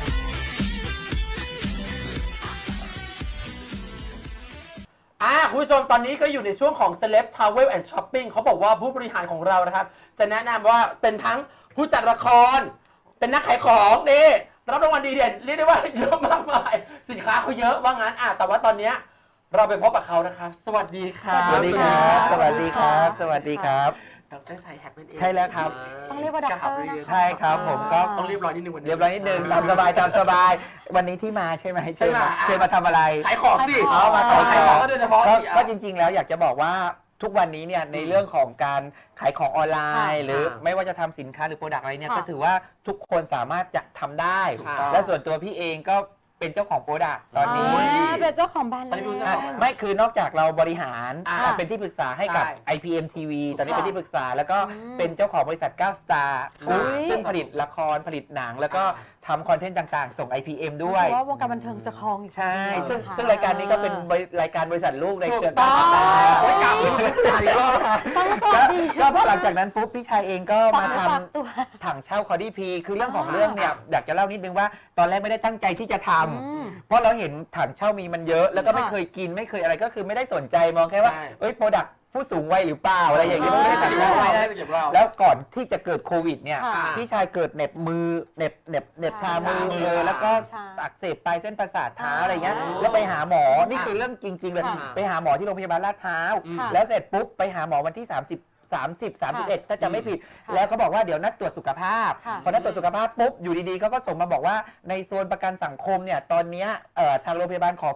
S1: อ่าคุณผู้ชมตอนนี้ก็อยู่ในช่วงของ Celeb Travel and Shopping เขาบอกว่าผู้บริหารของเรานะครับ จะแนะนำว่าเป็นทั้งผู้จัดละคร เป็นนักขายของนี่รับรางวัลดีเด่นเรียกได้ว่าเยอะมากมายสินค้าเขาเยอะว่างั้นอ่ะแต่ว่าตอนเนี้ยเราไปพบกับเขานะครับ สวัสดีครับ
S5: สวัสดีครับ
S8: สวัสดีครับ สวัสดีครับ
S1: ดรชัยแฮกนั่นเอง
S8: ใช่แล้วครับ
S5: ต้องเรียกว่าด็อกเตอร์นะคะ
S8: ใช่ครับผมก็
S1: ต้องเรียบร้อยนิดนึงวันนี้
S8: เรียบร้อยนิดนึงตามสบายตามสบาย วันนี้ที่มาใช่ไหมเชิญมา
S1: ใช่มา
S8: เชิญมาทำอะไร
S1: ขายของสิ
S8: เอามา
S1: ขายของก็โดยเฉพาะ
S8: ก็
S1: สิอ่ะ
S8: ก็จริง ๆ แล้วอยากจะบอกว่าทุกวันนี้เนี่ยในเรื่องของการขายของออนไลน์
S1: ค่ะ
S8: หรือไม่ว่าจะทำสินค้าหรือโปรดักต์อะไรเนี่ย
S5: ค่ะ
S8: ก็ถือว่าทุกคนสามารถจะทำได้
S1: ถูกต้อง
S8: และส่วนตัวพี่เองก็เป็นเจ้าของโปรดักต์ตอนนี้
S5: อ่าเป็นเจ้าของแบรนด์
S1: ตอนนี้รู้ใช่
S5: แล้ว
S1: ไหม
S8: ไม่คือนอกจากเราบริหาร
S1: อ่า
S8: อ่าเป็นที่ปรึกษาให้กับ
S1: ใช่
S8: ไอ พี เอ็ม ที วี ตอนนี้
S1: ถูกต้อง
S8: เป็นที่ปรึกษาแล้วก็
S5: อืม
S8: เป็นเจ้าของบริษัทเก้า Star
S1: อุ๊ย
S8: ซึ่งผลิตละครผลิตหนัง แล้วก็
S1: อ่
S8: ทำคอนเทนต์ต่างๆ ส่ง ไอ พี เอ็ม ด้วย
S5: เพราะว่าวงการบันเทิงจะครองอยู่
S8: ใช่
S5: คนเดียว
S8: ซึ่ง
S5: นะคะ
S8: ซึ่งรายการนี้ก็เป็นบริรายการบริษัทลูกในเครือ
S1: ถูกต้
S8: เก้า
S1: อง
S8: Star
S1: โอ้ยกลับเลย
S5: ต้องส
S8: ก็
S5: วัสดี
S8: ก็พอหลังจากนั้นปุ๊บพี่ชายเองก็มาท
S5: ฝากตัว
S8: ำถังเช่าคอดี้พีคือเรื่องของเรื่องเนี่ยอยากจะเล่านิดนึงว่าตอนแรกไม่ได้ตั้งใจที่จะทำ
S5: อืม
S8: เพราะเราเห็นถังเช่ามีมันเยอะ แล้วก็ไม่
S5: ค่ะ
S8: เคยกินไม่เคยอะไรก็คือไม่ได้สนใจมองแค่ว่า
S1: ใช่
S8: เอ้ยโปรดักผู้สูงวัยหรือเปล่าอะไรอย่างเงี้ย
S5: อ๋อ
S8: ไม่ได้ตัดสินใจนะ
S1: เก็บเรา
S8: แล้วก่อนที่จะเกิดโควิดเนี่ย
S5: ค่ะ
S8: พี่ชายเกิดเหน็บมือเหน็บเหน็บเหน็บชามือ
S1: ชามือ
S8: เลยแล้วก็
S5: ชา
S8: อักเสบปลายเส้นประสาทเท้า
S5: อ๋ออ
S8: อะไรเงี้ยแล้วไปหาหมอนี่คือเรื่องจริง ๆ เลย
S5: ค่ะ
S8: ไปหาหมอที่โรงพยาบาลลาดพร้าว
S5: ค่ะ
S8: แล้วเสร็จปุ๊บไปหาหมอวันที่ 30 30 31 ถ้าจะไม่ผิด
S5: ค่ะ
S8: แล้วเขาบอกว่าเดี๋ยวนัดตรวจสุขภาพ
S5: ค่ะ
S8: พอนัดตรวจสุขภาพปุ๊บอยู่ดีๆเขาก็ส่งมาบอกว่าในโซนประกันสังคมเนี่ยตอนเนี้ยเอ่อทางโรงพยาบาลขอปิด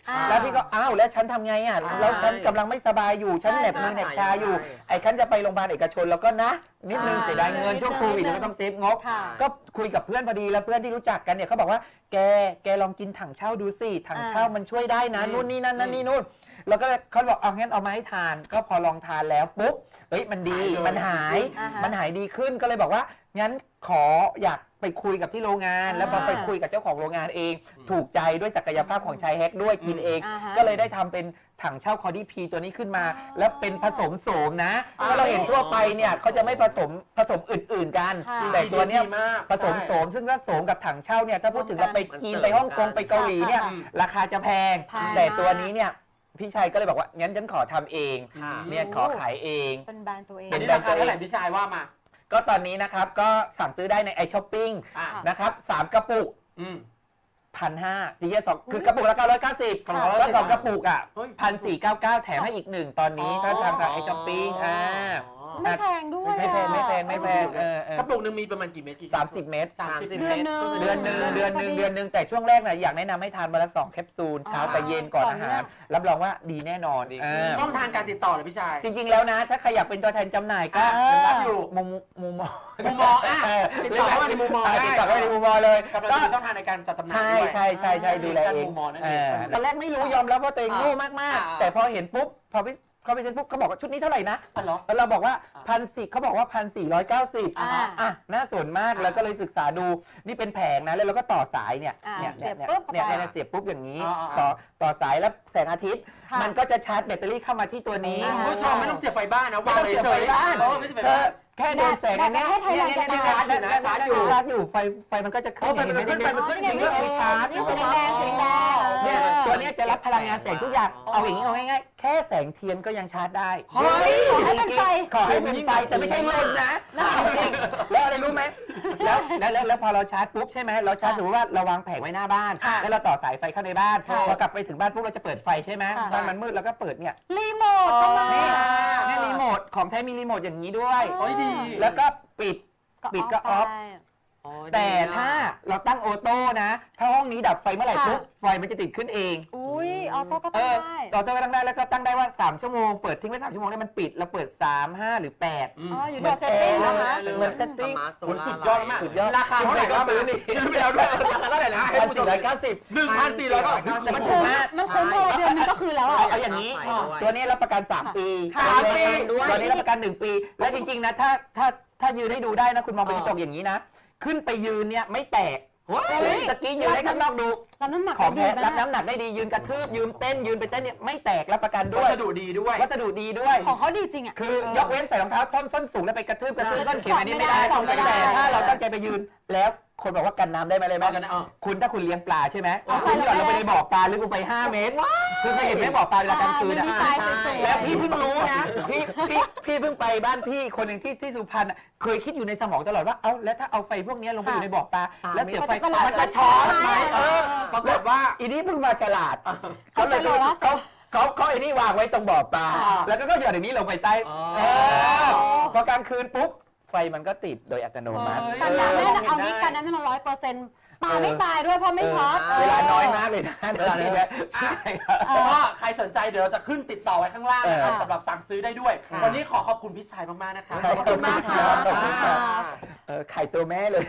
S5: อ่า
S8: แล้วพี่ก็อ้าวแล้วฉันทำไงอ่ะ
S1: อ่า
S8: แล้วฉันกำลังไม่สบายอยู่ฉัน
S5: ใช่
S8: เหน็บมือ
S5: ใช่
S8: เหน็บชาอยู่ไอ้ฉันจะไปโรงพยาบาลเอกชนแล้วก็นะ นิดนึง
S5: อ่า
S8: เสียดายเงิน
S5: นิดนึง
S8: ช่วงโควิด
S5: นิดนึง
S8: เราก็ต้องเซฟงบ
S5: ค่ะ
S8: ก็คุยกับเพื่อนพอดีแล้วเพื่อนที่รู้จักกันเนี่ยเขาบอกว่าแกแกลองกินถังเช่าดูสิถังเช่ามันช่วยได้นะ
S1: อืม
S8: นู่นนี่นั่นนั่นนี่นู่นแล้วก็เขาบอกเอางั้นเอามาให้ทาน ก็พอลองทานแล้วปุ๊บเฮ้ยมันดีมันหาย
S5: อ่าฮะ
S8: มันหายดีขึ้นก็เลยบอกว่างั้นขออยากไปคุยกับที่โรงงาน แล้วพอ
S5: อ่า
S8: ไปคุยกับเจ้าของโรงงานเอง ถูกใจด้วยศักยภาพของชายแฮกด้วยกินเอง
S5: อ่าฮะ
S8: ก็เลยได้ทำเป็นถังเช่าคอดี้พีตัวนี้ขึ้นมา
S5: อ๋อ
S8: แล้วเป็นผสมโสมนะ
S1: อ่า
S8: เพราะเราเห็นทั่วไปเนี่ยเขาจะไม่ผสมผสมอื่นๆกัน
S5: ค่ะ
S8: แต่ตัวเนี้ย
S1: ดีมาก
S8: ผสมโสมซึ่งถ้าโสมกับถังเช่าเนี่ยถ้าพูดถึงเราไปจีนไปฮ่องกงไปเกาหลีเนี่ย
S5: ค่ะ
S8: ราคาจะแพง
S5: แพง
S8: แต่ตัวนี้เนี่ยพี่ชัยก็เลยบอกว่างั้นฉันขอทำเอง
S1: ค่ะ
S8: เนี่ยขอขายเอง
S5: เป็นแบรนด์ตัวเอง
S1: อันนี้ราคาเท่าไหร่พี่ชายว่ามา
S8: ก็ตอนนี้นะครับก็สั่งซื้อได้ในไอช้อปปิ้ง
S1: อ่ะ
S8: นะครับสามกระปุก
S1: อืม
S8: พันห้าจริงๆสองคือกระปุกละเก้าร้อยเก้าสิบ
S1: ค่ะ
S8: แล้วสองกระปุกอ่ะ
S1: เฮ้ย
S8: พันสี่เก้าเก้าแถมให้อีกหนึ่งตอนนี้ถ้าทำทางไอช้อปปิ้งอ่า
S5: ไม่แพงด้วย
S8: ไม่แพง
S5: อะ
S8: ไม่แพงไม่แพงเออเออก
S1: ระปุกหนึ่งมีประมาณกี่เม็ดกี่
S8: สามสิบเมตร
S1: สามสิบ
S5: เดือนหนึ่ง
S8: เดือนหนึ่งเดือนหนึ่งเดือนหนึ่งแต่ช่วงแรกน่ะอยากแนะนำให้ทานวันละสองแคปซูลเช้า
S5: อ๋อ
S8: กับเย็นก่อนอาหาร
S5: ก่อนเนี่ย
S8: รับรองว่าดีแน่นอนเออ
S1: ช่องทางการติดต่อเลยพี่ชาย
S8: จริง ๆ แล้วนะ ถ้าใครอยากเป็นตัวแทนจำหน่ายก็
S5: เออ
S1: รับอยู่
S8: มุมมุมมอง
S1: มุมมองอ่ะ
S8: เ
S1: ติดต่อเข้ามาในมุมมองได้
S8: ติดต่อเข้ามาในมุมมองเลย
S1: กำลัง
S8: ก็
S1: จะมีช่องทางในการจัดจำหน่าย
S8: ใช่
S1: ด้วย
S8: ใช่ใช่ใช่ดูแลเอง
S1: มุมมองนั่น
S8: เอ
S1: เอง
S8: อตอนแรกไม่รู้ยอมรับว่าตัวเองโง่มาก
S1: อ่า
S8: ๆ แต่พอเห็นปุ๊บพอพี่เขาไปเซ็นปุ๊บเขาบอกว่าชุดนี้เท่าไหร่นะ
S1: อ๋อเหรอ
S8: แล้วเราบอกว่าพันสี่เขาบอกว่าพันสี่ร้อยเก้าสิบ
S5: อ่า
S8: อ่ะน่าสนมาก
S1: อ่า
S8: แล้วก็เลยศึกษาดูนี่เป็นแผงนะแล้วเราก็ต่อสายเนี่ย
S5: อ่า
S8: เนี่ยเนี่ย
S5: เสียบปุ๊บเข้าไป
S8: เนี่ยเนี่ยเสียบปุ๊บอย่างนี้
S1: อ่าอ่า
S8: ต่อต่อสายแล้วแสงอาทิตย์
S5: ค่ะ
S8: มันก็จะชาร์จแบตเตอรี่เข้ามาที่ตัวนี้
S5: อ่า
S1: คุณผู้ชมไม่ต้องเสียบไฟบ้านนะ
S8: ไม่
S1: วาง
S8: ต้องเสียบ
S1: เฉ
S8: ไฟ
S1: ยๆ
S8: บ้าน
S1: เออไม่เสียบไฟ
S8: เธ
S1: บ้า
S8: อน แค่โดนแสงอันเนี้ย
S5: แบตประเทศไทย
S8: เนี่ย
S5: เราจะ
S8: เนี่ยเนี่ย
S1: ชาร์จอยู่นะชาร์จอยู่
S8: ชาร์จอยู่ไฟไฟมันก็จะขึ้น
S1: เออไฟมันก็ขึ้น
S8: เห็
S1: ไฟมันขึ้น
S8: เห็
S1: จริง
S8: ชาร์จ
S5: นี่สีแดงๆสีแดงๆ
S8: เนี่ย
S5: ออ
S8: ตัวเนี้ยจะรับพลังงานแสงทุกอย่าง เอาอย่างนี้เอาง่ายๆแค่แสงเทียนก็ยังชาร์จได้
S1: เฮ้ย
S5: ขอให้เป็นไฟ
S8: ขอให้เป็นไฟแต่ไม่ใช่ลมนะจริงๆแล้วอะไรรู้ไหมแล้วแล้วแล้วแล้วพอเราชาร์จปุ๊บใช่ไหมเราชาร์จสมมติว่าเราวางแผงไว้หน้าบ้าน
S5: ค่ะ
S8: แล้วเราต่อสายไฟเข้าในบ้าน
S5: ค่ะ
S8: พอกลับไปถึงบ้านปุ๊บเราจะเปิดไฟใช่ไหม
S5: ค่ะ
S8: บ้านมันมืดเราก็เปิดเนี่ย
S5: รีโมทก็มา
S8: นี่นี่รีโมทของแท้มีรีโมทอย่างนี้ด้วย
S1: โอ้ยดี
S8: แล้วก็ปิด ปิดก็ออฟ
S5: ไป
S8: แต่ถ้าเราตั้งออโต้นะ ถ้าห้องนี้ดับไฟเมื่อไหร่
S5: ค่ะ
S8: ปุ๊บไฟมันจะติดขึ้นเอง
S5: อุ้ยออโต้ก็
S8: เอ
S5: ตั้ง
S8: อ
S5: ได้
S8: ออโต้ก็ตั้งได้แล้วก็ตั้งได้ว่าสามชั่วโมงเปิดทิ้งไว้สามชั่วโมงแล้วมันปิดแล้วเปิดสาม ห้าหรือแปด
S1: อืม
S5: อ๋ออยู่ที่เซตติ้งนะคะ
S8: เหมือนเซตติ้ง
S1: โอ้ยสุดยอดมาก
S8: สุดยอด
S1: ราคาเท่าไหร่ก็ซื้อนี่ซื้อไปแล้วด้วยราคาเท่าไหร่นะให้
S8: พัน
S1: ผู้ช
S8: สี่
S1: ม
S8: ร้อยเก้าสิบ
S1: หนึ่งพันสี่ร้อยเก้าสิบ
S8: แต่มัน
S5: มัน
S8: ถู
S5: คุ้
S8: ก
S5: ม
S8: มาก
S5: มันคุ้มพอเดือนนึงก็คือแล้ว
S8: เอา
S5: อ่ะ
S8: เอาอย่างนี้
S1: อ๋อ
S8: ตัวนี้รับประกัน สาม ปี
S1: สามปี
S8: ตัวนี้รับประกัน หนึ่ง ปี และจริงๆนะถ้าถ้าถ้ายืนให้ดูได้นะคุณมองไปกระจกอย่างนี้นะ ขึ้นไปยืนเนี่ยไม่แตก
S5: เฮ้ย
S8: ตะกี้ยืนให้ข้างนอกดู
S5: รับน้ำหนัก
S8: ของ
S5: ได้
S8: แท้
S5: ดี
S8: รับ
S5: นะ
S8: น้ำหนักได้ดียืนกระทืบยืนเต้นยืนไปเต้นเนี่ยไม่แตกรับประกันด้ว
S1: วั
S8: ย
S1: สดุดีด้วย
S8: วัสดุดีด้วย
S5: ของเขาดีจริงอ่ะ
S8: คือยกเว้นใส่รองเท้าส้นส้นสูงแล้วไปกระทืบกระทืบส้นเข็มอันนี้ไม่ได้
S5: ถอดไม่ได้
S8: แต่ถ้าเราตั้งใจไปยืนแล้วคนบอกว่ากันน้ำได้ไหมเลยไหม
S1: เอากันนะเอา
S8: คุณถ้าคุณเลี้ยงปลาใช่ไหม
S5: เอา
S8: คุณหย่อน
S5: ไป
S8: ลงไปในบ่อปลาลึกลงไปห้าเมตรคือเคยเห็นไหมบ่อปลาเวลากลางคืน
S5: มันมีทรายสวยๆ
S8: แล้วพี่เพิ่งรู้นะพี่พี่พี่เพิ่งไปบ้านพี่คนหนึ่งที่ที่สุพรรณอะเคยคิดอยู่ในสมองตลอดว่าเอ้าแล้วถ้าเอาไฟพวกนี้ลงไปอยู่ในบ่อปลาแล้วเสียบไฟ
S5: มันจะ
S8: มันจะช็อตไหมเออ
S1: ปรากฏว่า
S8: อีนี่เพิ่งมาฉลาดเขาเลย
S5: เขาฉลาด
S8: เขาเขาเขาไอ้นี่วางไว้ตรงบ่อปลา
S1: อ่า
S8: แล้วก็ก็หย่อนอย่างนี้ลงไปใต้
S1: อ๋อ
S8: เออพอกลางคืนปุ๊บไฟมันก็ติดโดยอัตโนมัติ
S1: เฮ้ย
S5: กันน้ำ
S8: เอ
S5: แน่
S8: อ
S5: เอานี้กันน้ำให้เราร้อยเปอร์เซ็นต์ปลาไม่ตายด้วยเพราะไม่ช็อต
S8: เวลาน้อยมากเลยนะเวลาน้อยใช่ครับ
S1: ก็ใครสนใจเดี๋ยวเราจะขึ้นติดต่อไว้ข้างล่างนะครับ
S5: เออ
S1: สำหรับสั่งซื้อได้ด้วย
S8: ค่ะ
S1: วันนี้ขอขอบคุณพี่ชายมากๆนะคะ
S8: ขอบคุณมากค่ะ
S1: ขอบคุณค่ะ
S8: เออไข่ตัวแม่เลย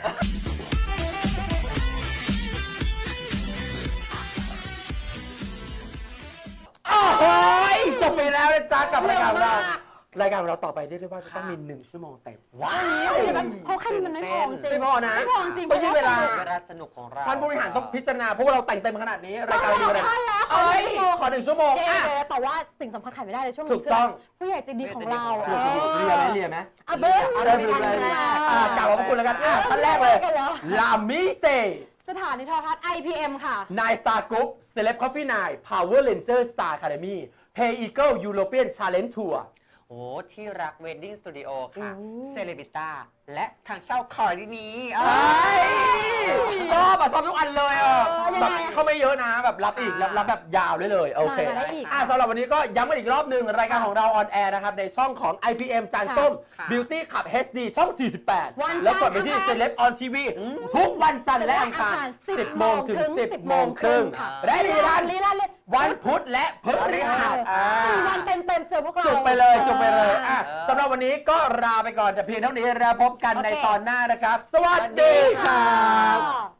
S1: โอ้โหจบไปแล้วนะจ๊ะกับรายการของเรารายการของเราต่อไปเรียกได้ว่าจะต้องมีหนึ่งชั่วโมงเต็ม
S8: ว้าว
S5: เพราะแค่นี้มันไม่พอจริง
S1: ไม่พอนะ
S5: ไม่พอจริง
S1: ต้องยืดเวลา
S5: พระ
S9: เวลาสนุกของเรา
S1: ท่านผู้บริหารต้องพิจารณาเพราะว่าเราแต่งเต็มขนาดนี้รายการเราดีขนาดนี้เอ้ยขอหนึ่งชั่วโมง
S5: เดี๋ยว
S1: อ่ะ
S5: ๆแต่ว่าสิ่งสำคัญขาดไม่ได้เลยช่วง
S1: ถู
S5: นี้
S1: กต้อง
S5: ผู้ใหญ่ใจดีของเรา
S1: เรียนไหมเรียนไหม
S5: อ่ะเบิ้ล
S1: เริ่มเลยเลยอ่ะกล่าวขอบคุณแล้วกันอ่ะท่านแรกเลย
S5: กันหรอ
S1: ลามิเซ
S5: สถานีโทรทัศน์ ไอ พี เอ็ม ค่ะ
S1: นายสตาร์กรุ๊ปเซเลบคอฟฟี่นายพาวเวอร์เลนเจอร์สตาร์คาเดมี่เพย์อีเกิลยูโรเปียนชาเลนจ์ทัวร์
S9: โอ้ที่รักเวดดิ้งสตูดิโอค่ะ
S5: อืม
S9: เซเลบิต้า และทางเช่าคอร์ดินี้
S1: เอ้ยชอบอ่ะชอบทุกอันเลยอ่ะ
S5: เออยัง
S1: แบบ
S5: ไงอ่ะ
S1: เขาไม่เยอะนะแบบรับอีกรับรับแบบยาวได้เลยโอเค
S5: มาได้อีก
S1: อ่ะสำหรับวันนี้ก็ย้ำกันอีกรอบหนึ่งรายการของเราออนแอร์นะครับในช่องของ ไอ พี เอ็ม จานส้ม
S9: ค่ะ
S1: Beauty Club เอช ดี ช่อง สี่สิบแปด
S5: วันจันทร์
S1: แล้วกดไปที่
S5: อังคาร
S1: Celeb on ที วี ทุกวันจันทร์และอังคาร
S5: สิบ
S1: สิบโมงถึง สิบโมงครึ่ง
S5: ค่ะ
S1: และรีรัน
S5: รีรันเลย
S1: วันพุธและพฤหัสอ่า
S5: วันเต็มๆเจอพวกเรา
S1: จุกไปเลยจุกไปเลยอ่ะ
S9: เออ
S1: สำหรับวันนี้ก็ลาไปก่อนแต่เพียงเท่านี้แล้วพบกัน
S5: โอเค
S1: ในตอนหน้านะครับ สวัสดีครับ
S5: ค่ะ